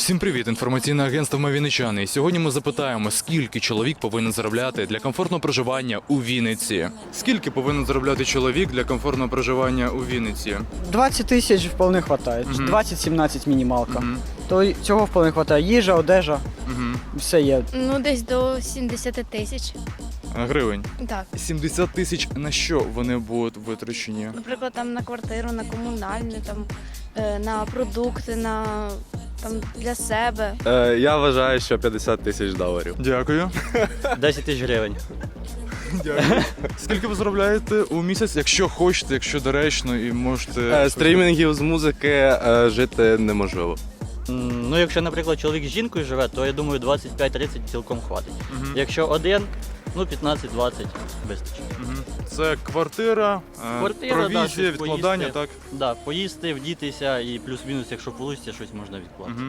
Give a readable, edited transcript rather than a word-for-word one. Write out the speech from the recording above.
Всім привіт! Інформаційне агентство «Ми Вінничани». І сьогодні ми запитаємо, скільки чоловік повинен заробляти для комфортного проживання у Вінниці. Скільки повинен заробляти чоловік для комфортного проживання у Вінниці? 20 тисяч вполне хватає. 20-17 мінімалка. То цього вполне хватає. Їжа, одежа, все є. Ну, десь до 70 тисяч. Гривень. Так. 70 тисяч на що вони будуть витрачені? Наприклад, там на квартиру, на комунальну, там, на продукти, на там для себе. Я вважаю, що 50 тисяч доларів. Дякую. 10 тисяч гривень. Дякую. Скільки ви заробляєте у місяць, якщо хочете, якщо доречно і можете... Стрімінгів з музики жити неможливо. Ну, якщо, наприклад, чоловік з жінкою живе, то я думаю 25-30 цілком хватить. Якщо один, ну 15-20 вистачить. Це квартира, Квартира, провізія, щось відкладання, поїсти. так? Да, поїсти, вдітися і плюс-мінус, якщо вийде, щось можна відкласти.